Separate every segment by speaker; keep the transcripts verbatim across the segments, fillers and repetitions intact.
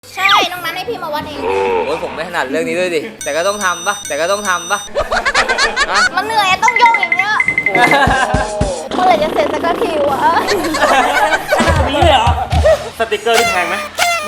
Speaker 1: ใช่น้องนั้นให้พี่มาวัดเอง
Speaker 2: โอ้ยผมไม่ถนัดเรื่องนี้ด้วยดิแต่ก็ต้องทำปะแต่ก็ต้องทำปะ
Speaker 1: มันเหนื่อยต้องโยกอย่างเงี้ยเมื่อไหร่จะเสร็จสักทีวะ
Speaker 3: นี่เลยเหรอสติกเกอร์ที่แพงไหม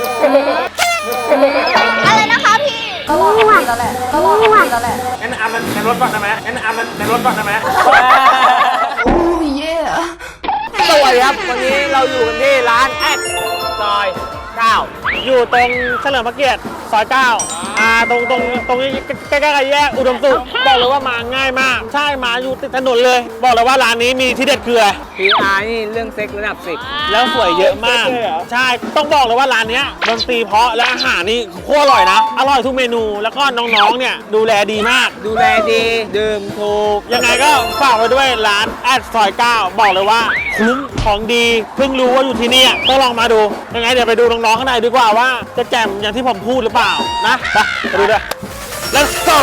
Speaker 1: อะไรนะคะพี่ก็รอพี่แล้วแหละก็รอพี่แล้วแหละ
Speaker 3: งั้นอามันในรถก่อนได้ไหมงั้นอามันในรถก่อนได้ไหม
Speaker 1: โอ้ยเย่
Speaker 2: สวัสดีครับวันนี้เราอยู่กันที่ร้านแอดซอยเก้า
Speaker 3: อยู่ตรงเฉลิมพระเกียรติซอยเก้าอ่าตรงตรงตรงนี้ใกล้ๆกับแยกอุดมสุขบอกเลยว่ามาง่ายมากใช่มาอยู่ติดถนนเลยบอกเลยว่าร้านนี้มีที่เด็ดคืออะไร
Speaker 2: พี อาร์ นี่เรื่องเซ็กระดับสิบ
Speaker 3: แล้วสวยเยอะมากใช่ต้องบอกเลยว่าร้านนี้ดนตรีเพราะและอาหารนี่โคตรอร่อยนะอร่อยทุกเมนูแล้วก็น้องๆเนี่ยดูแลดีมาก
Speaker 2: ดูแลดีดื่มถูก
Speaker 3: ยังไงก็ฝากไว้ด้วยร้านแอดซอยเก้าบอกเลยว่าคุ้มของดีเพิ่งรู้ว่าอยู่ที่นี่ต้องลองมาดูยังไงเดี๋ยวไปดูน้องๆข้างในดีกว่าว่าจะแจ่มอย่างที่ผมพูดหรือเปล่านะไปไปดูด้วย let's go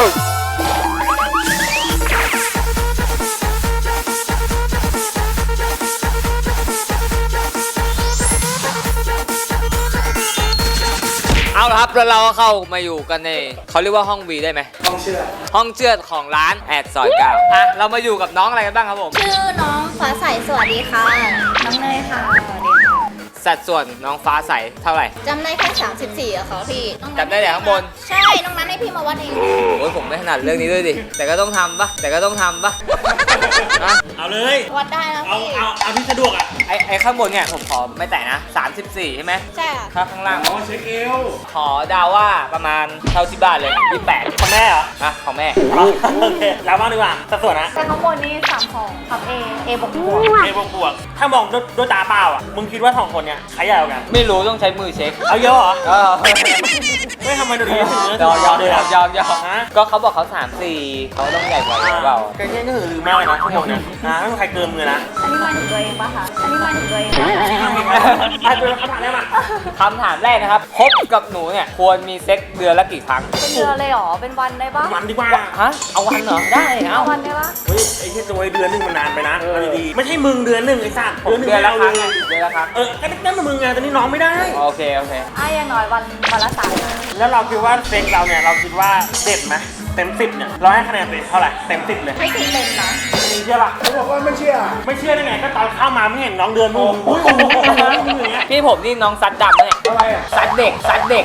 Speaker 2: เอาละครับแล้วเราก็เข้ามาอยู่กันในเขาเรียกว่าห้องวีได้ไหม
Speaker 3: ห้องเชื่อ
Speaker 2: ห้องเชือดของร้านแอดซอยเก้าอ่ะเรามาอยู่กับน้องอะไรกันบ้างครับผม
Speaker 1: ชื่อน้องฟ้าใสสวัสดีค่ะน้องเนยค่ะสวัสดีค่ะ
Speaker 2: สัดส่วนน้องฟ้าใสเท่าไหร่
Speaker 1: จำได้แค่สามสิบสี่อะค่ะพี่
Speaker 2: จำได้แต่ข้างบน
Speaker 1: ใช่น้องนั้นให้พี่มาวัดเอง
Speaker 2: โอ้ยผมไม่ถนัดเรื่องนี้ด้วยดิแต่ก็ต้องทำปะแต่ก็ต้องทำปะ
Speaker 3: เอาเลย
Speaker 1: วัดได้แล้ว
Speaker 3: เอา
Speaker 1: พี่
Speaker 3: เอาเอาที่สะดวกอ่ะ
Speaker 2: ไอไอข้างบนเนี่ยผมขอไม่แตะนะสามสิบสี่ใช่ไหม
Speaker 1: ใช่ค่ะ
Speaker 2: ถ้าข้างล่าง
Speaker 3: อ๋อเช็คเอว
Speaker 2: ขอดาวว่าประมาณเท่าที่บ้านเลยยี่สิบแปด
Speaker 3: ของแม่เหรอ
Speaker 2: อ่ะของแม่
Speaker 3: โอเคแล้วบ้างดีกว่าสัดส่วนนะ
Speaker 1: แต่ข้างบนนี่สามของทับเอเอบวกบวก
Speaker 3: เอบวกบวกถ้ามองด้วยตาเปล่าอ่ะมึงคิดว่าสองคนเนี่ยใครใหญ่กว่ากัน
Speaker 2: ไม่รู้ต้องใช้มือเช็ค
Speaker 3: เอาเยอะเหรอ
Speaker 2: เออ
Speaker 3: ไม่ทำไมดูดีถึง
Speaker 2: ยอมยอมยอมยอมยอมก็เขาบอกเขาสามสี่เขาต้องใหญ่กว่าหรือเปล่า
Speaker 3: ก็แค่ก็คือลืมมากเลยนะทั้งหมดเนี่ยนะไม่มีใครเกินมือนะ
Speaker 1: อันนี้มาถึงตัวเองปะคะอันนี้มาถึงตัวเองปะ
Speaker 3: อ่ะเจอคำถามแรกมา
Speaker 2: คำถามแรกนะครับคบกับหนูเนี่ยควรมีเซ็กเดือนละกี่ครั้ง
Speaker 1: เป็นเดือนเลยหรอเป็นวันได้ปะ
Speaker 3: วันดีกว่า
Speaker 2: ฮะเอาวันเหรอได้
Speaker 1: เอาวันได้ปะ
Speaker 3: เฮ้ยไอ้ที่ตัวเดือนนึงมันนานไปนะดีไม่ใช่มึงเดือนหนึ่งไอ้สัตว์
Speaker 2: เดือนละครั้งเดือนละครั้ง
Speaker 3: เออก็นั่นมึงไงตอนนี้น้องไม่ได้
Speaker 2: โอเคโอเค
Speaker 1: อ่ะอย่างน้อยวันวันละสาม
Speaker 3: แล้วเราคิดว่าเซ็กเราเนี่ยเราคิดว่าเด็ดไหมเต็มสิบเนี่ยเราให้คะแนนเท่าไหร่เต็มสิบเลย
Speaker 1: ไม่ถึงเต็มนะ
Speaker 3: มีเชื่อป่ะเขาบอกว่าไม่เชื่อไม่เชื่อได้ไงก็ตอนเข้ามาไม่เห็นน้องเดือนมึงอุ้ยอย่างเงี้ย
Speaker 2: พี่ผมนี่น้องซัดดำเนี่ย
Speaker 3: อะไรอ่ะ
Speaker 2: ซัดเด็กซัดเด็ก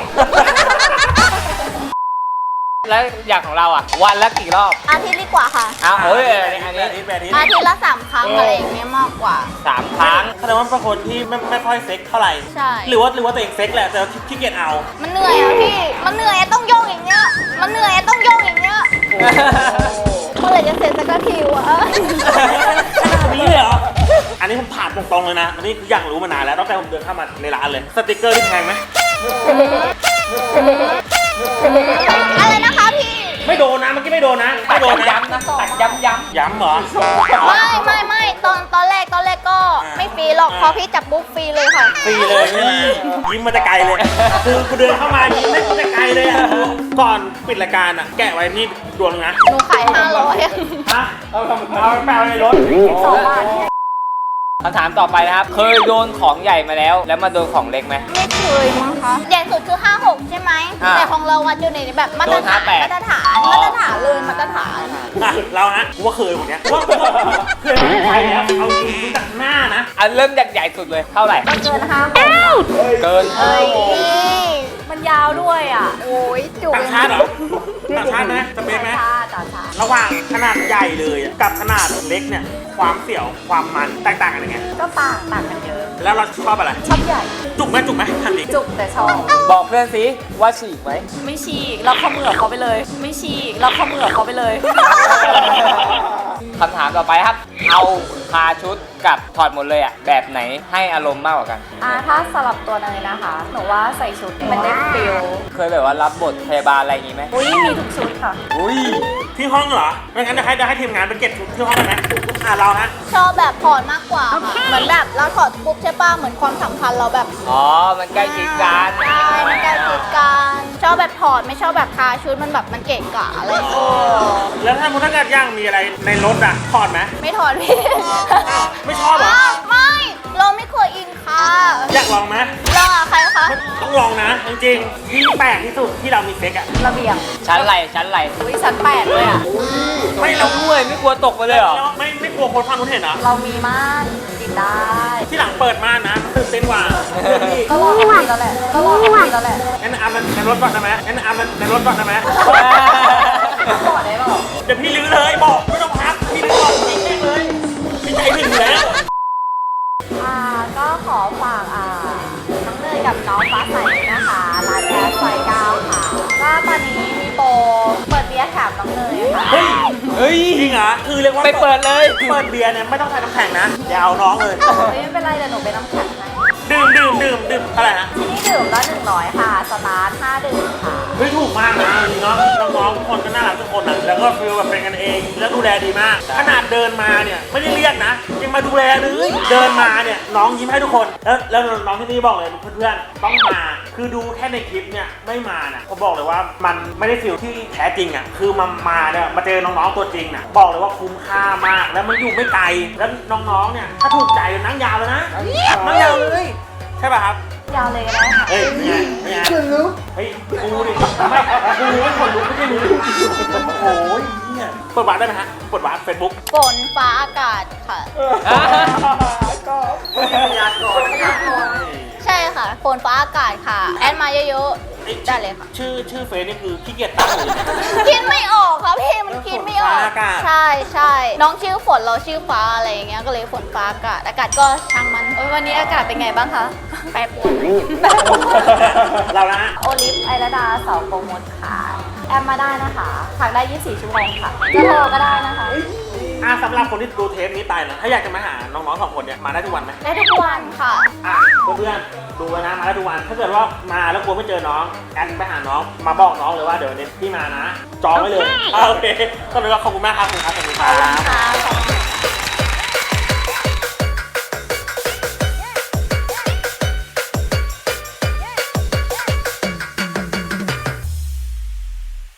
Speaker 2: แล้วอย่างของเราอ่ะวันละกี่รอบ
Speaker 1: อาทิตย์ดีกว่าค่ะ
Speaker 2: อ้าวเฮ้ยอันนี้
Speaker 3: อาทิตย์อาทิต
Speaker 1: ย์ละสามครั้งอะไรอย่างเงี้ยมากกว่า
Speaker 2: สามครั้ง
Speaker 3: แสดงว่าเป็นคนที่ไม่ไม่ค่อยเซ็กเท่าไหร่
Speaker 1: ใช่
Speaker 3: หรือว่าหรือว่าตัวเองเซ็กแหละแต่ขี้เกียจเอา
Speaker 1: มันเหนื่อยอ่ะพี่มันเหนื่อยต้องโยกอย่างเงี้ยมันเหนื่อยต้องโยกอย่างเงี้ยเมื่อไหร่จะเสร็จสักทีวะ
Speaker 3: นี่เลยเหรออันนี้ผมถามตรงๆเลยนะอันนี้อยากรู้มานานแล้วตั้งแต่ผมเดินเข้ามาในร้านเลยสติกเกอร์ที่แพงไหม
Speaker 1: อะไรนะคะพี่
Speaker 3: ไม่โดนนะเมื่อกี้ไม่โดนนะไม่โดนนะ
Speaker 2: ย้ำนะตัดย้ำย้ำ
Speaker 3: ย้ำเหรอ
Speaker 1: ไม่ไม่ไม่ตอนตอนแรกตอนแรกก็ไม่ฟรีหรอกพอพี่จับบุ๊กฟรีเลยค่ะ
Speaker 3: ฟรีเลยยิ้มมาแต่ไกลเลยคือกูเดินเข้ามายิ้มไม่มาแต่ไกลเลยอ่ะก่อนปิดรายการอ่ะแกะไว้ที่ดวงนะ
Speaker 1: หนูขายห้าร้อย
Speaker 3: ฮะเอาเอาแปลในรถ
Speaker 1: สองบาท
Speaker 2: คำถามต่อไปนะครับเคยโดนของใหญ่มาแล้วแล้วมาโดนของเล็กไหม
Speaker 1: ไม่เคยมั้งคะใหญ่สุดคือห้าหกใช่ไหมแต่ของเราวัดอยู่ในแบบมาตรฐานมาตรฐานมาตรฐานเลยมาตรฐาน
Speaker 3: เราฮะกูว่าเคยผมเนี้ยว่าเคยไปแล้วเอาจริงจากหน้านะ
Speaker 2: อันเริ่มจากใหญ่สุดเลยเท่าไหร่
Speaker 1: เกินห้า
Speaker 2: เกิน
Speaker 1: เฮ้ยมันยาวด้วยอ่ะโอ้ยจุก
Speaker 3: ต่างชาติเหรอต่างชาตินะสเปคไหมระหว่างขนาดใหญ่เลยกับขนาดเล็กเนี่ยความเสี่ยวความมันแตกต่างกันยังไง
Speaker 1: ก็ต่างต่างกันเยอะ
Speaker 3: แล้วเราชอบอะไร
Speaker 1: ชอบใหญ่
Speaker 3: จุกไหมจุกไหมทันที
Speaker 1: จุกแต่ชอบ
Speaker 2: บอกเพื่อนสิว่าฉีกไหม
Speaker 1: ไม่ฉีกเราเข้ามือเขาไปเลยไม่ฉีกเราเข้ามือเขาไปเลย
Speaker 2: คำถามต่อไปครับเอาคาชุดกับถอดหมดเลยอ่ะแบบไหนให้อารมณ์มากกว่ากัน
Speaker 1: อ่าถ้าสลับตัวเนยนะคะหนูว่าใส่ชุดมันได้ฟิล
Speaker 2: เคยแบบว่ารับบทพยาบาลอะไรอย่างงี้ไหม
Speaker 1: อุ้ยมีทุกชุดค่ะ
Speaker 2: อุ้ย
Speaker 3: ที่ห้องเหรอไม่งั้นเดี๋ยวให้เดี๋ยวให้ทีมงานไปเก็บชุดที่ห้องได้ไหมอ่าเรานะ
Speaker 1: ชอบแบบถอดมากกว่าค่ะเหมือนแบบเราถอดปุ๊บใช่ป่ะเหมือนความสัมพันธ์เราแบบ
Speaker 2: อ๋อมันใกล้ชิดกัน
Speaker 1: ใช่มันใกล้ชิดกันชอบแบบถอดไม่ชอบแบบคาชุดมันแบบมันเกะกะอะไรโอ้
Speaker 3: แล้วถ้ามุถ้าเกิดย่างมีอะไรในรถอ่ะถอดไหม
Speaker 1: ไม่ถอดพี่
Speaker 3: ไม่ชอบเหรอ
Speaker 1: ไม่เราไม่เคยอินคา
Speaker 3: อยากลองไหม
Speaker 1: ลองอ่ะใครคะ
Speaker 3: ต้องลองนะจริงๆที่แปลกที่สุดที่เรามีเซ็กอะ
Speaker 1: ระเบียง
Speaker 2: ชั้นไรชั้นไร
Speaker 1: อุ้ยชั้นแปดเลยอ่ะ
Speaker 2: ไม่เราด้วยไม่กลัวตกไปเลยเหรอ
Speaker 3: แล้วไม่ไม่กลัวคนฟังคนเห็นเหรอ
Speaker 1: เรามีม่านปิดได้
Speaker 3: ที่หลังเปิดม่านนะตื่นเต้นกว่า
Speaker 1: ก็ลองกับพี่แล้วแหละก็ลองกับพี่แล้วแหละ
Speaker 3: งั้นอามันในรถก่อนได้ไหมงั้นอามันในรถก่อนได้ไหม
Speaker 1: ต่อได้เปล่า
Speaker 3: เดี๋ยวพี่ลื้อเลยบอกไม่ต้องพักพี่ลื้อก่อนจริงแน่เลยพี่ใจถึงอยู่แล้ว
Speaker 1: อ่าก็ขอฝากอ่าน้องเนยกับน้องฟ้าใสนะคะร้านแก๊สซอยเก้าค่ะก็ตอนนี้มีโปรเปิดเบียร์แถมน้องเนยค่ะ
Speaker 3: เฮ้ย
Speaker 2: เฮ้ย
Speaker 3: จริงเหรอคือเรียกว่า
Speaker 2: ไปเปิดเลย
Speaker 3: เปิดเบียร์เนี่ยไม่ต้องใส่น้ำแข็งนะอย่าเอาน้องเลย
Speaker 1: ไม่เป็นไรเดี๋ยวหนูไปน้ำแข็งให้
Speaker 3: ดื่มดื่มดื่มดื่มอะไรนะ
Speaker 1: ที่นี่ดื่มละหนึ่งร้อยค่ะสตาร์ทห้าดื่มค่ะ
Speaker 3: เฮ้ยถูกมากนะจริงเนาะน้องๆทุกคนก็น่ารักทุกคนนะแล้วก็ฟีลแบบเป็นกันเองแล้วดูแลดีมาก ขนาดเดินมาเนี่ยไม่ได้เรียกนะยังมาดูแลเลยเดินมาเนี่ยน้องยิ้มให้ทุกคนแล้วแล้วน้องที่นี่บอกเลยเพื่อนๆต้องมาคือดูแค่ในคลิปเนี่ยไม่มานะผมบอกเลยว่ามันไม่ได้ฟีลที่แท้จริงอ่ะคือมามาเนี่ยมาเจอน้องๆตัวจริงน่ะบอกเลยว่าคุ้มค่ามากแล้วมันอยู่ไม่ไกลแล้วน้องๆเนี่ยถ้าถูกใจนั่งยาวเลยนะนั่งยาวเลยใช่ป่ะครับ
Speaker 1: ยาวเลยก็ได้ค่ะ
Speaker 3: เฮ้ยไม่ไงไม่ไงคุณรู้เฮ้ยกูดิไม่กูไม่คนรู้ไม่ใช่รู้โอ้ยเนี่ยเปิดวาร์ปได้ไหมฮะเปิดวาร์ปเฟซบุ๊ก
Speaker 1: ฝนฟ้าอากาศค่ะ
Speaker 3: ก็พยากรณ์
Speaker 1: ใช่ค่ะฝนฟ้าอากาศค่ะ แอดมาเยอะๆ ได้เลยค่ะ
Speaker 3: ชื่อชื่อเฟซนี่คือขี้เกียจตั้งเลย
Speaker 1: คิดไม่ออกครับพี่มันคิดไม่ออก
Speaker 3: ฝนฟ้าอากาศ
Speaker 1: ใช่ใช่น้องชื่อฝนเราชื่อฟ้าอะไรอย่างเงี้ยก็เลยฝนฟ้าอากาศอากาศก็ช่างมันโอ้ยวันนี้อากาศเป็นไงบ้างคะแปรปรวนแปรปรวน
Speaker 3: เรานะ
Speaker 1: โอลิฟไอระดาสาวโปรโมทค่ะแอมมาได้นะคะถักได้ยี่สิบสี่ชั่วโมงค่ะจะโทรก็ได้นะคะ
Speaker 3: อ่ะสำหรับคนที่ดูเทปนี้ไปนะถ้าอยากจะมาหาน้องๆสองคนเนี่ยมาได้ทุกวันไหม
Speaker 1: ได้ทุกวันค่ะ
Speaker 3: อ่ะเพื่อนๆดูไว้นะมาได้ทุกวันถ้าเกิดว่ามาแล้วกลัวไม่เจอน้องแอดไปหาน้องมาบอกน้องเลยว่าเดี๋ยววันนี้พี่มานะจองไว้เลยอ่ะโอเคก็เลยว่าขอบคุณมากครับขอบคุณครับขอบคุณครับ